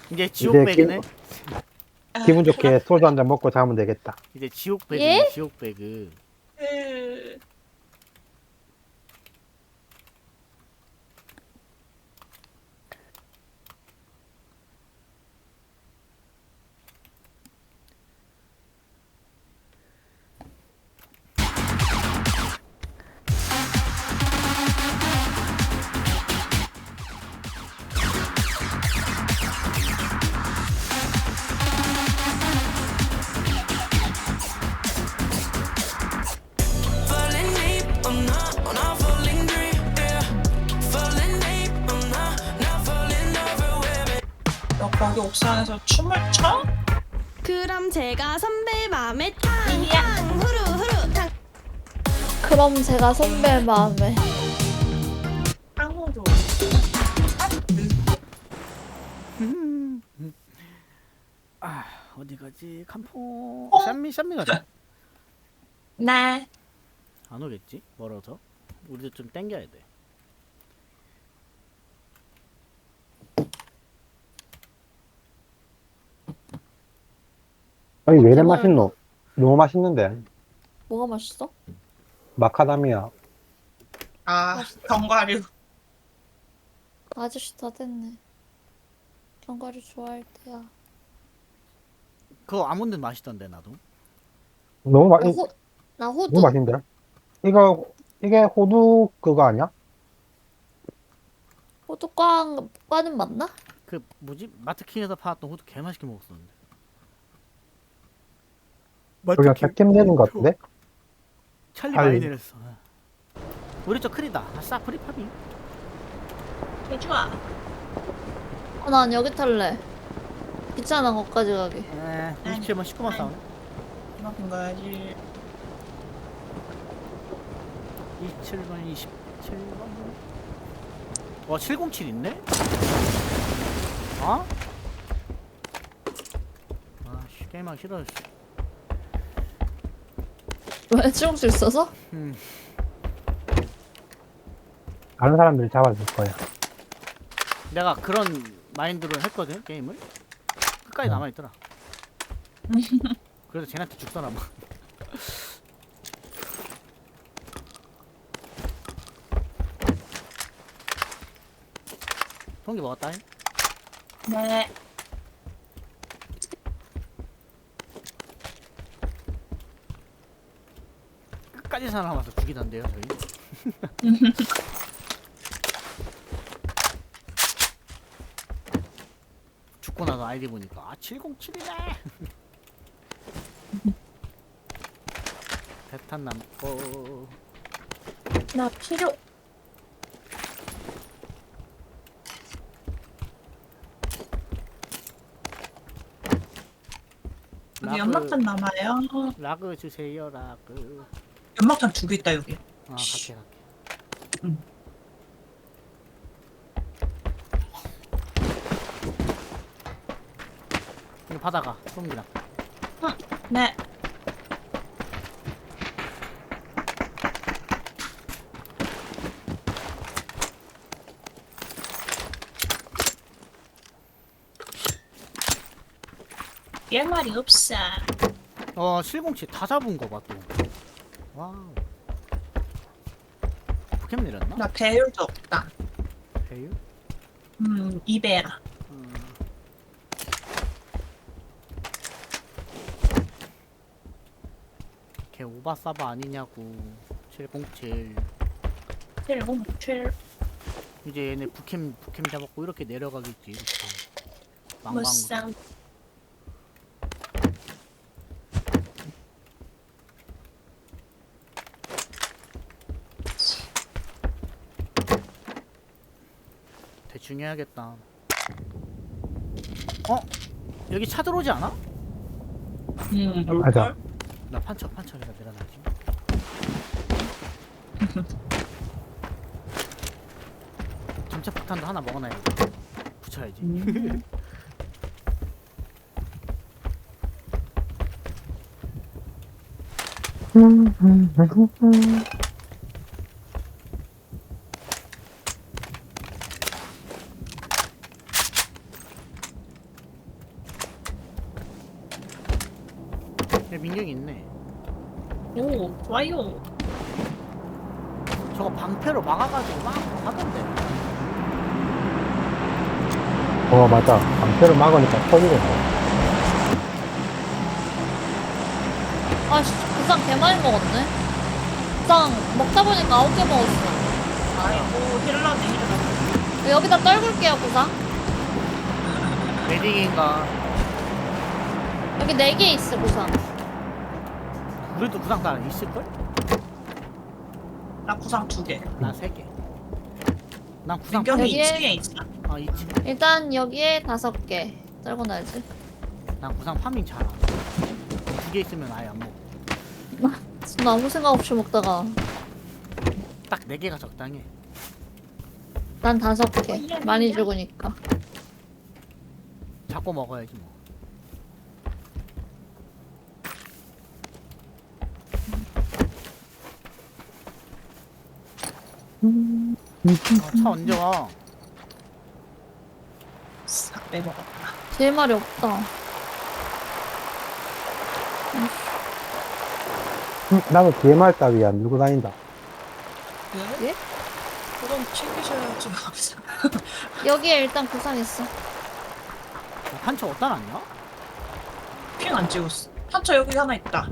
이제 지옥 배그네. 기분 좋게 소주 한 잔 먹고 자면 되겠다. 이제 지옥 배그. 예? 지옥 배그. Falling deep, I'm not falling deep, yeah. Falling deep, I'm not falling over with me. 너 거기 옥상에서 춤을 춰? 그럼 제가 선배 맘에 탕탕 후루후루 탕. 그럼 제가 선배 마음에. 탕후루. 아 어디 가지? 칸포. 어? 샴미 가자. 네. 안 오겠지? 멀어서. 우리도 좀 땡겨야 돼. 아니 왜 이래 제발. 맛있노? 너무 맛있는데. 뭐가 맛있어? 마카다미아. 아, 견과류. 아저씨 다 됐네. 견과류 좋아할 때야. 그거 아몬드 맛있던데 나도. 너무 나, 맛있. 나 호두. 너무 맛있는데? 이게 호두 그거 아니야? 호두 과는 맞나? 그 뭐지? 마트킹에서 팔았던 호두 개 맛있게 먹었었는데. 우리가 100점 내는 것 같은데? 찰리 아유. 많이 내렸어. 우리 저 크리다. 아싸 프리팝이. 개 좋아. 난 여기 탈래. 귀찮아 거기까지 가기. 27번 19번 싸우네. 이만큼 가야지. 27번 27번. 와 707 있네? 어? 아씨 게임하기 싫어. 왜 치공수 있어서? 다른 사람들이 잡아줄 거야. 내가 그런 마인드로 했거든 게임을. 끝까지 남아있더라. 그래서 쟤한테 죽더라 막. 통기 먹었다. 네. 끝까지 살아남아서 죽이던데요 저희. 죽고 나서 아이디 보니까 아 707이네. 대탄 남고. 나 필요. 여기 연막탄 남아요. 라그 주세요 라그. 연막탄 2개 있다 여기. 아 갈게. 응. 이거 받아가 소음기랑. 네. 열 말이 없어. 707 다 잡은 거 봐 또. 와우. 포켓 내렸나? 나 배율도 없다. 배유? 2배라. 걔 오바사바 아니냐고. 707. 707. 이제 얘네 부캠 잡았고 이렇게 내려가겠지. 이렇게. 망망. 무쌍. 대충 해야겠다. 여기 차 들어오지 않아? 맞아. 나 판처에다 내려놔야지. 점차 폭탄도 하나 먹어놔야겠다. 붙여야지. 야, 민경이 있네. 오, 좋아요. 저거 방패로 막아가지고 막 하던데. 맞아. 방패를 막으니까 터지겠네. 아씨, 구상 개 많이 먹었네. 구상 먹다 보니까 9개 먹었어. 아이고, 힐러네, 힐러. 여기다 떨굴게요, 구상. 메딩인가. 여기 4개 있어, 구상. 우리도 구상 다 있을걸? 나 구상 2개. 나 3개. 난 구상 민경이 여기에- 2층에 있어. 아 있지. 일단 여기에 5개. 떨궈놔야지. 난 구상 파밍 잘함. 2개 있으면 아예 안 먹어. 나 아무 생각 없이 먹다가 딱 4개가 적당해. 난 5개. 많이 죽으니까. 자꾸 먹어야지 뭐. 차 언제 와? 싹 빼먹었다. 제일 말이 없다. 나도 DMR 따위야 밀고 다닌다. 예? 예? 그럼 챙기셔야지. 여기에 일단 구상 있어. 판처 어디다 놨냐? 핑 안 찍었어. 판처 여기 하나 있다.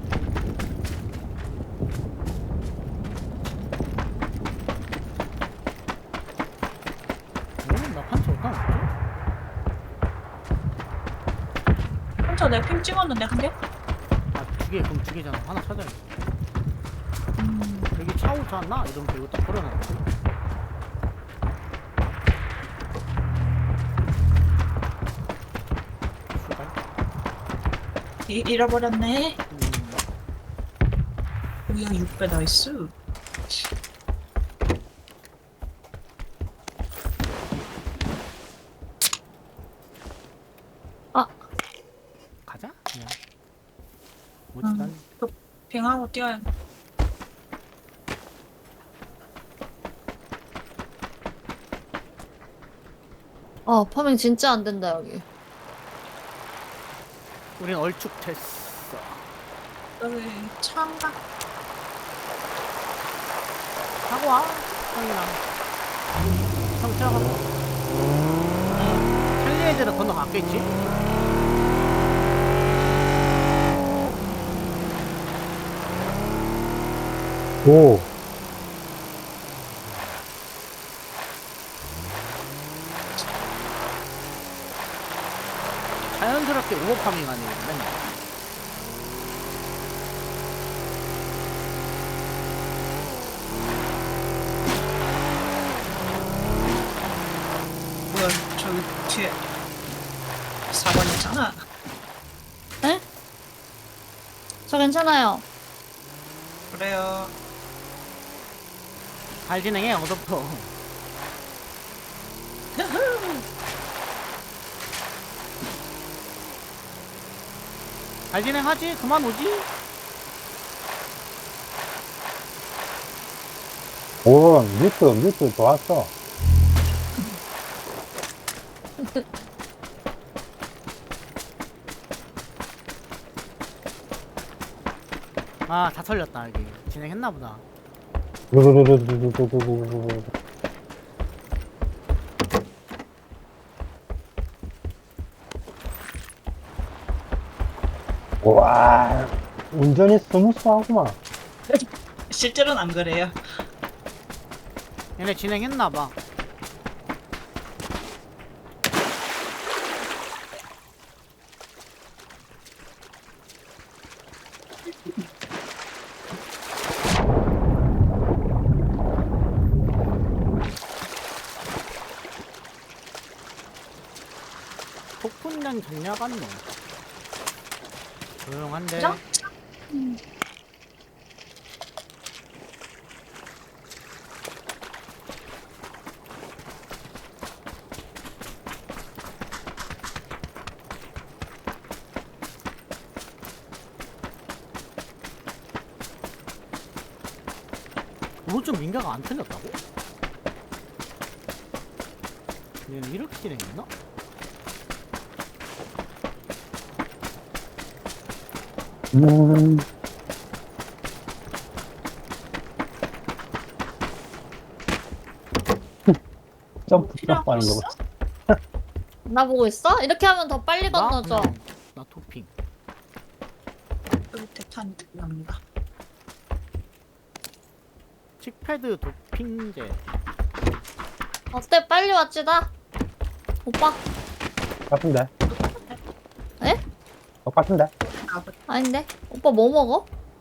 나 판처 어디다 놨지? 판처 내가 핑 찍었는데 한 개? 아 2개 그럼 2개잖아. 하나 찾아야지. 여기 차 오지 않나? 이러면 이거 딱 걸어놨지. 잃어버렸네. 뭐야 6배 나이스. 가자 그냥. 뭐지 난 핑하고 뛰어야. 아, 파밍 진짜 안 된다, 여기. 우린 얼쭉됐어. 여기 차인가? 하고 와 형이랑. 형 차가. 찰리 애들은 건너갔겠지? 오. 자연스럽게 오버파밍 하네 맨날. 뭐야 저기 뒤에 4번 있잖아. 에? 저 괜찮아요. 그래요. 잘 진행해 어서부터. 잘 진행하지? 그만 오지? 오, 뮤트 좋았어. 아 다 털렸다 여기. 진행했나보다. 와, 운전이 스무스하구만. 실제로는 안 그래요. 얘네 진행했나봐. 폭풍량 전략한 놈. 조용한데. 그죠? 오른쪽 민가가 안 틀렸다고? 얘는 이렇게 진행했나? 음, 점프 필요한 하는 거 거. 있어? 나 보고 있어? 이렇게 하면 더 빨리 건너죠. 나 토핑. 여기 대탄이 납니다. 칙패드 도핑제. 어때? 빨리 왔지다. 오빠? 같은데? 에? 똑같은데? 아닌데? 오빠 뭐 먹어?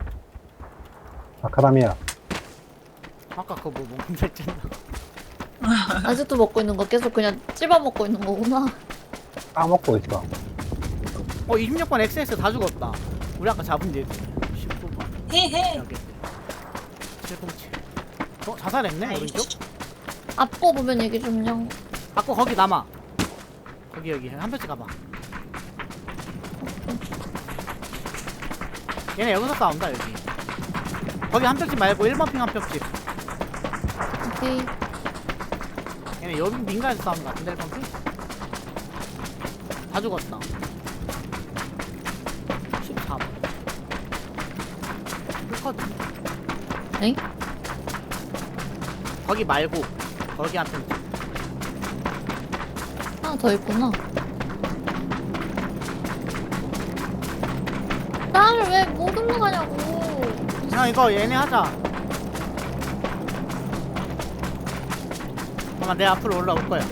아카다미아. 아까 그거 뭐 먹는다 했잖아. 아직도 먹고 있는 거 계속 그냥 찝어 먹고 있는 거구나. 까먹고 있어. 26번 XX 다 죽었다. 우리 아까 잡은 얘들. 19번. 헤헤. 여기. 707. 자살했네, 오른쪽? 앞거 보면 얘기 좀요. 아까 거기 남아. 여기 한 뼘씩 가봐. 얘네 여기서 싸운다 여기. 거기 한 뼘씩 말고 1번 핑 한 뼘씩. 오케이. 얘네 여기 민가에서 싸우는 거 같은데 1번 핑? 다 죽었다. 14번. 그거든. 엥? 거기 말고 거기 한 뼘씩. 하나 더 있구나. 나를 왜 못 올라가냐고. 형 이거 얘네 하자. 잠깐만 내 앞으로 올라올 거야.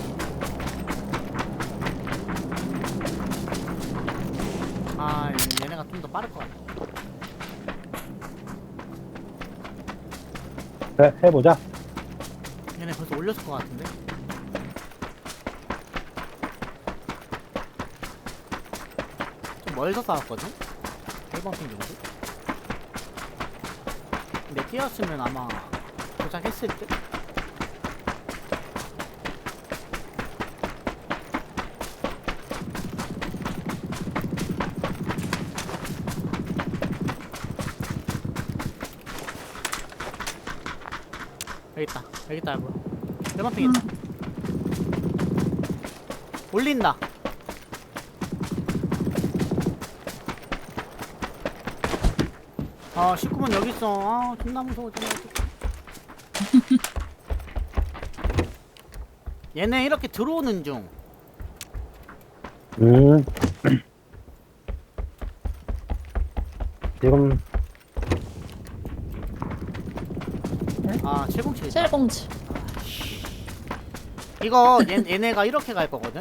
아 얘네가 좀 더 빠를 것 같아. 그래, 해보자. 얘네 벌써 올렸을 것 같은데. 좀 멀서 싸웠거든? 1번 핑 정도? 근데 뛰었으면 아마 도착했을 듯? 여기 있다 여보. 1번 핑 있다. 올린다. 아 19번 여기 있어. 아 존나 무서워 존나 무서워. 얘네 이렇게 들어오는 중. 지금 아 707 있다. 707. 이거 얘네가 이렇게 갈 거거든.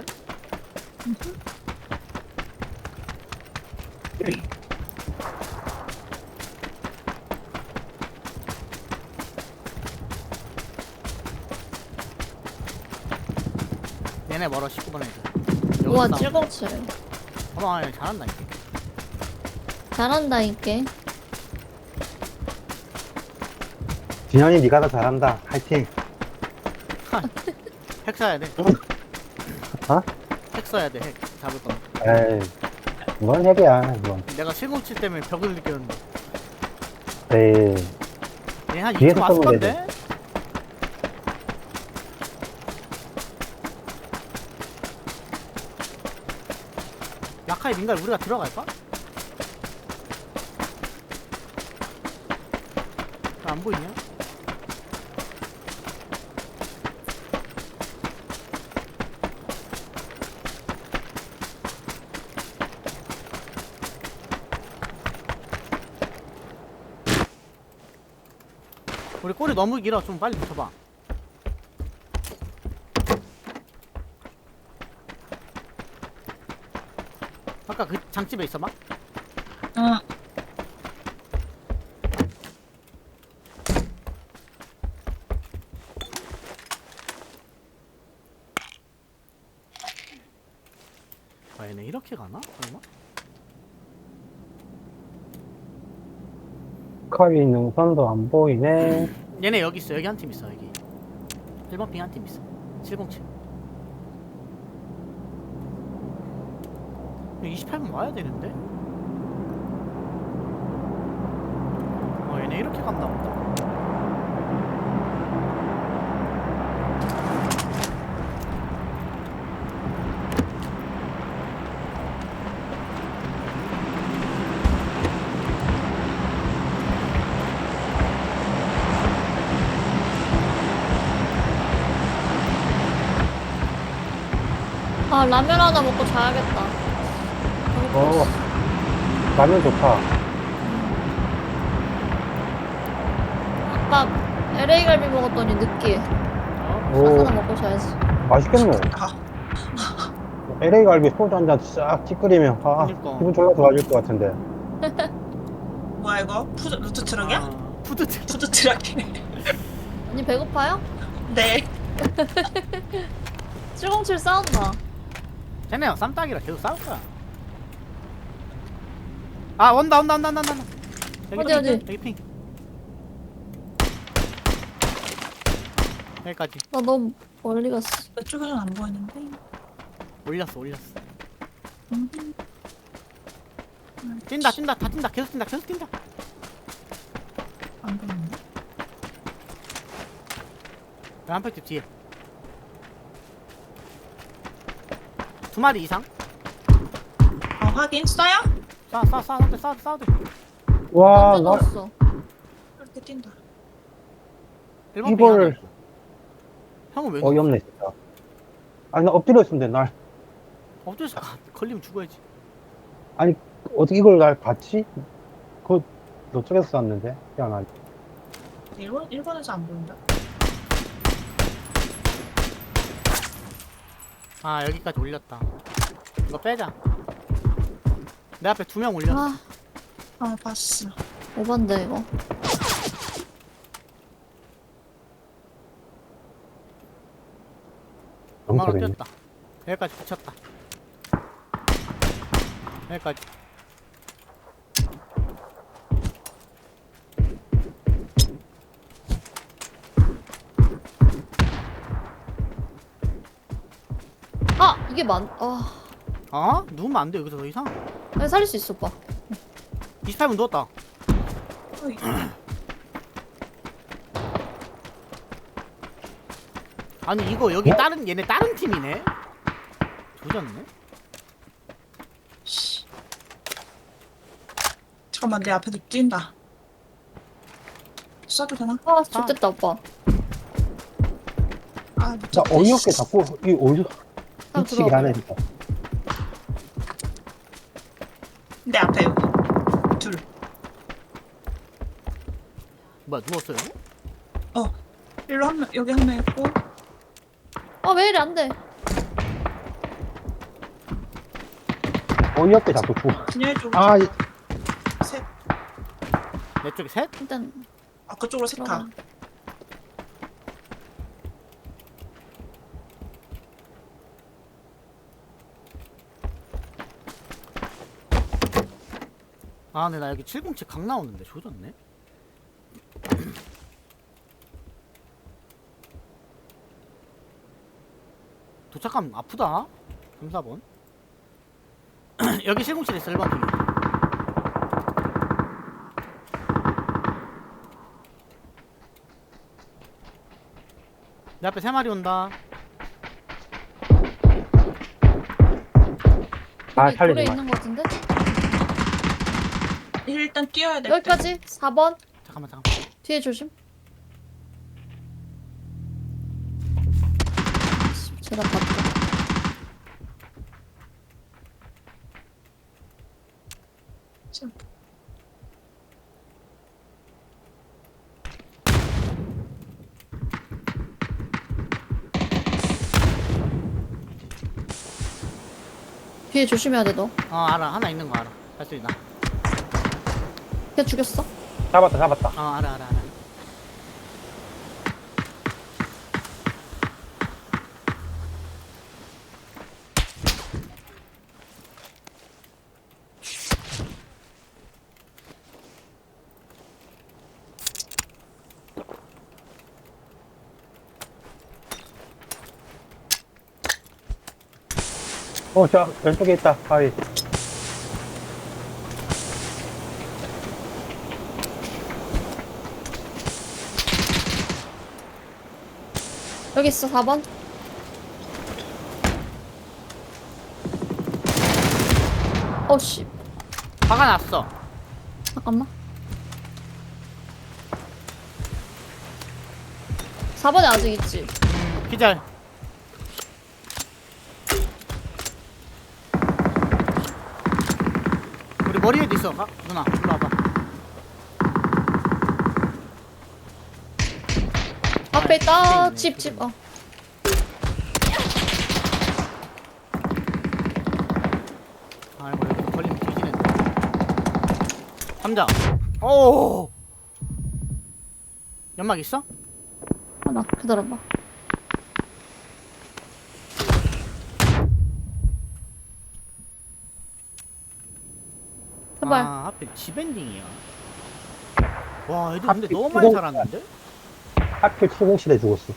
얘네 멀어 19번 애들. 우와, 여기서 싸워. 707. 봐봐 얘 잘한다 이게. 잘한다, 이게. 진현이 네가 더 잘한다. 화이팅. 핵 써야 돼. 어? 핵 써야 돼. 핵 잡을 거. 에이, 이건 핵이야. 이건. 내가 707 때문에 벽을 느꼈는데. 에이, 얘한 뒤에서 2층 왔을 쏘면 건데. 라카이 민가에 우리가 들어갈까? 안 보이냐? 우리 꼬리 너무 길어. 좀 빨리 붙여봐. 아까 그 장집에 있어봐. 응. 아 얘네 이렇게 가나? 설마? 커비 능선도 안 보이네. 얘네 여기 있어. 여기 한 팀 있어. 여기 1번 핑 한 팀 있어. 707. 28분 와야 되는데? 얘네 이렇게 갔나 보다. 아 라면 하나 먹고 자야겠다. 어, 라면 좋다. 아까 LA 갈비 먹었더니 느끼해. 오, 하나 먹고 자야지. 맛있겠노? 아, LA 갈비 소주 한 잔 싹 찌끄리면, 아, 그니까. 기분 졸라 좋아질 것 같은데. 뭐야 이거? 루트 트럭이야? 아, 푸드트. 푸드 트럭이네. 언니 배고파요? 네. 707 싸운다. 쟤네랑 쌈딱이라 계속 싸울 거야. 아 온다. 여기 어디, 핑, 어디? 여기 핑. 여기까지 나 너무 멀리 갔어. 이쪽에서는 안 보이는데. 올렸어. 음. 뛴다. 다 뛴다. 계속 뛴다. 안 보이는데. 한팩집 뒤에 2마리 이상. 아 확인. 써요? 싸워. 와, 언제 나, 넣었어? 이렇게 뛴다. 1번 이걸, 형은 왜 어이없네, 진짜. 아니, 나 엎드려 있으면 돼, 날. 엎드려서 걸리면 죽어야지. 아니, 어떻게 이걸 날 봤지? 그, 너쪽에서 쐈는데? 희한하게. 1번에서 안 보인다. 아 여기까지 올렸다. 이거 빼자. 내 앞에 2명 올렸어. 아 아 봤어. 오반데 이거. 너무 엄마가 재밌네. 뛰었다. 여기까지 붙였다. 여기까지. 아 이게 아 어? 누우면 안 돼. 여기서 더 이상. 아니, 살릴 수 있어 오빠. 28분 누웠다. 어이. 아니 이거 여기 얘네 다른 팀이네. 조졌네. 씨. 잠깐만 내 앞에서 뛴다. 쏴도 되나? 아 좋겠다 오빠. 아 못 나 잡겠다. 어이없게 자꾸, 이 어디서, 한번 미치게 들어와 하네, 봐. 진짜. 내 앞에 여기. 둘. 뭐야 누웠어요? 일로 한 명, 여기 한 명 있고. 아왜 이래 안 돼? 어이없게 자꾸 죽어. 진열 쪽. 아, 셋. 내 쪽에 셋? 일단 아 그쪽으로 셋 가. 들어가. 아 근데 나 여기 707 각 나오는데 조졌네. 도착하면 아프다. 3, 4번. 여기 707 있어. 1번 핑. 내 앞에 3마리 온다. 아, 여기 살리지 돌에 마. 있는 거 같은데? 일단 뛰어야 돼. 여기까지 4번 잠깐만. 뒤에 조심. 제가 봤다. 참. 뒤에 조심해야 돼 너. 알아. 하나 있는 거 알아. 발소리 나. 걔 죽였어? 잡았다. 알아. 저, 왼쪽에 있다, 바위. 여기 있어 4번. 어씨 화가 났어. 잠깐만. 4번에 아직 있지. 기절. 머리 위에도 있어. 누나 일로 와봐. 앞에 있다. 있네, 집. 아이고 여기 걸리면 뒤지는데. 감자. 오. 연막 있어? 하나 기다려봐. 제발. 아 하필 집 엔딩이야. 와 애들 근데 하필 너무 많이 이거- 살았는데? 하필 출공실에 죽었어.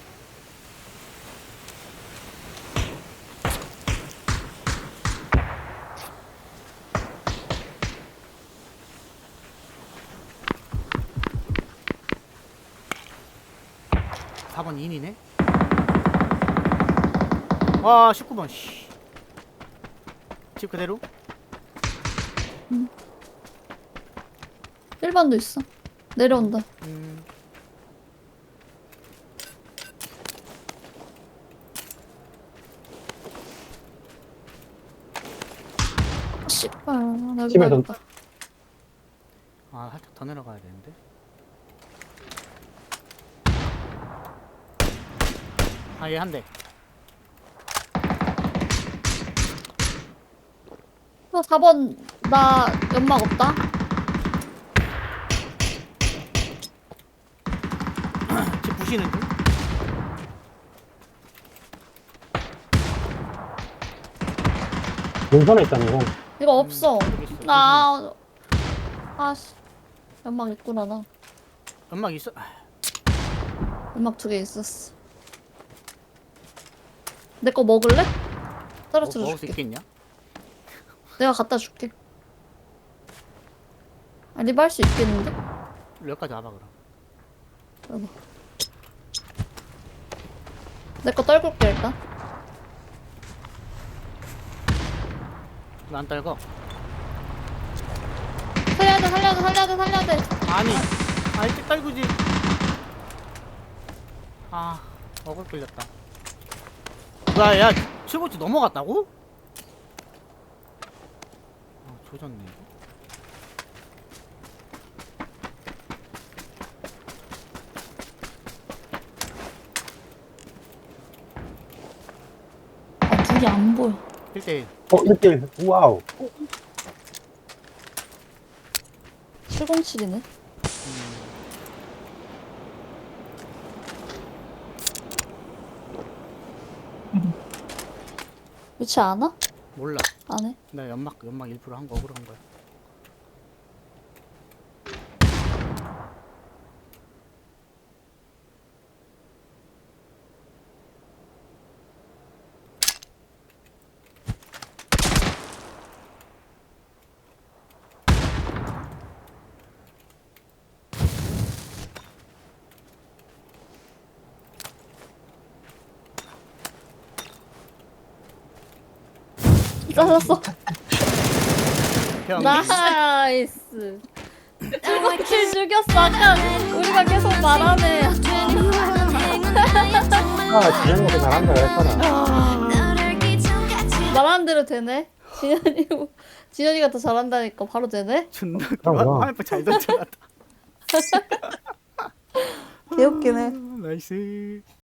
사 번 인이네. 와 19번 씨. 집 그대로? 1번도 있어. 내려온다. 씨발. 나 여기 집에 가야겠다. 아 살짝 더 내려가야 되는데. 아 얘 한 대. 4번 나 연막 없다. 집 부시는 중? 능선에 있잖아, 이건. 이거 없어. 여기 있어. 나 아씨 연막 있구나 나. 연막 있어? 연막 2개 있었어. 내 거 먹을래? 떨어뜨려 먹을 수 줄게. 있겠냐? 내가 갖다 줄게. 아, 리바 할 수 있겠는데? 여기까지 와봐 그럼. 여보. 내 거 떨굴게 일단. 왜 안 떨고? 살려야 돼. 아니 일찍 떨구지. 아 먹을 끌렸다. 야 최고치 넘어갔다고? 아 조졌네 이거. 아, 둘이 안 보여. 1대1 1대1. 와우. 707이네. 위치 아나? 몰라. 안 해? 나 연막 1% 한 거 억울한 거야. 잘랐어. 형 나이스. 707 죽였어. 아까 우리가 계속 말하네. 지현이가 잘한다 그랬잖아. 말하는 대로 되네. 진현이가 더 잘한다니까 바로 되네. 존나 그럼. 화면표 잘 던져놨다. 개웃기네. 나이스.